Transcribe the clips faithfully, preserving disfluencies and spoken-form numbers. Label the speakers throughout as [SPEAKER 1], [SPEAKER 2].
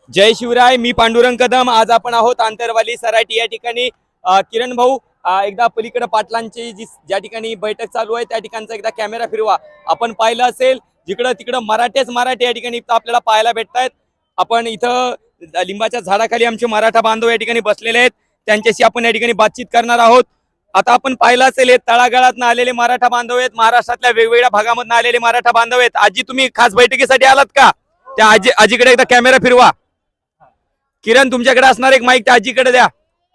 [SPEAKER 1] जय शिवराय. मी पांडुरंग कदम. आज आपण आहोत आंतरवाली सराटी या ठिकाणी. किरण भाऊ, एकदा पलीकडे पाटलांची जी ज्या ठिकाणी बैठक चालू आहे त्या ठिकाणचा एकदा कॅमेरा फिरवा. आपण पाहिलं असेल जिकडं तिकडं मराठेच मराठे या ठिकाणी आपल्याला पाहायला भेटतायत. आपण इथं लिंबाच्या झाडाखाली आमचे मराठा बांधव या ठिकाणी बसलेले आहेत. त्यांच्याशी आपण या ठिकाणी बातचीत करणार आहोत. आता आपण पाहिलं असेल हे तळागाळातून आलेले मराठा बांधव आहेत, महाराष्ट्रातल्या वेगवेगळ्या भागामधून आलेले मराठा बांधव आहेत. आजी, तुम्ही खास बैठकीसाठी आलात का? त्या आजी आजीकडे एकदा कॅमेरा फिरवा. किरण, तुमच्याकडे असणार एक माईक त्या आजीकडे द्या.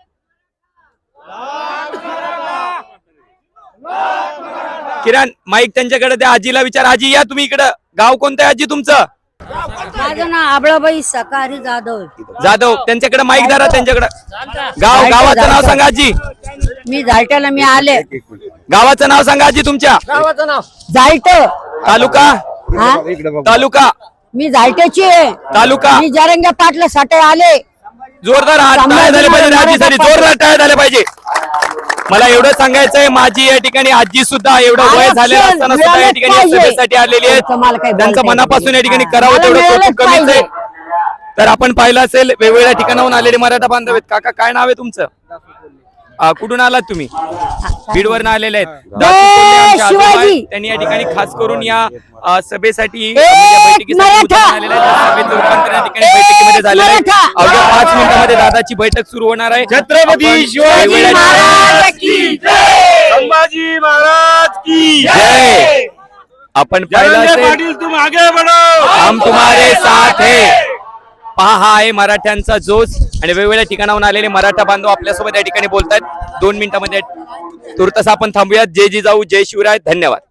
[SPEAKER 1] किरण, माईक त्यांच्याकडे द्या. आजीला विचार. आजी या तुम्ही इकडं. गाव कोणतं आहे आजी तुमचं?
[SPEAKER 2] माझं नाव आबळाबाई सकारी जाधव.
[SPEAKER 1] जाधव, त्यांच्याकडे माईक धरा. त्यांच्याकडे गाव गावाचं नाव सांगा आजी.
[SPEAKER 2] मी झालट्याला मी आले.
[SPEAKER 1] गावाचं नाव सांगा आजी तुमच्या.
[SPEAKER 2] गावाचं नाव झालट.
[SPEAKER 1] तालुका तालुका
[SPEAKER 2] मी झालट्याची आहे.
[SPEAKER 1] तालुका
[SPEAKER 2] मी जरंगे पाटला साठी आले.
[SPEAKER 1] जोरदार हात टाळ्या झाले पाहिजे आजीसाठी. जोरदार टाळ्या झाल्या पाहिजे. मला एवढं सांगायचंय, माझी या ठिकाणी आजी सुद्धा एवढं वय झालेलं असताना सुद्धा या ठिकाणी सभेसाठी आलेली आहेत. त्यांचं मनापासून या ठिकाणी करावं तेवढं कौतुक कमीच आहे. तर आपण पाहिलं असेल वेगवेगळ्या ठिकाणाहून आलेले मराठा बांधव आहेत. काका, काय नाव आहे तुमचं? कुठून आलात तुम्ही? बीडवरून आलेले आहेत. त्यांनी या ठिकाणी खास करून या सभेसाठी बैठकीमध्ये झालेलं आहे. अवघ्या पाच मिनिटांमध्ये दादाची बैठक सुरू होणार आहे.
[SPEAKER 3] छत्रपती शिवाजी महाराज की जय, संभाजी महाराज की
[SPEAKER 1] जय. आपण पाहिलं
[SPEAKER 3] पाटील, तुम आगे बढ़ो,
[SPEAKER 1] हम तुम्हारे साथ है. पहा, हा आहे मराठ्यांचा जोश. आणि वेगवेगळ्या ठिकाणाहून आलेले मराठा बांधव आपल्यासोबत या ठिकाणी बोलतात. दोन मिनिटांमध्ये तुर्तस आपण थांबूयात. जय जिजाऊ, जय शिवराय. धन्यवाद.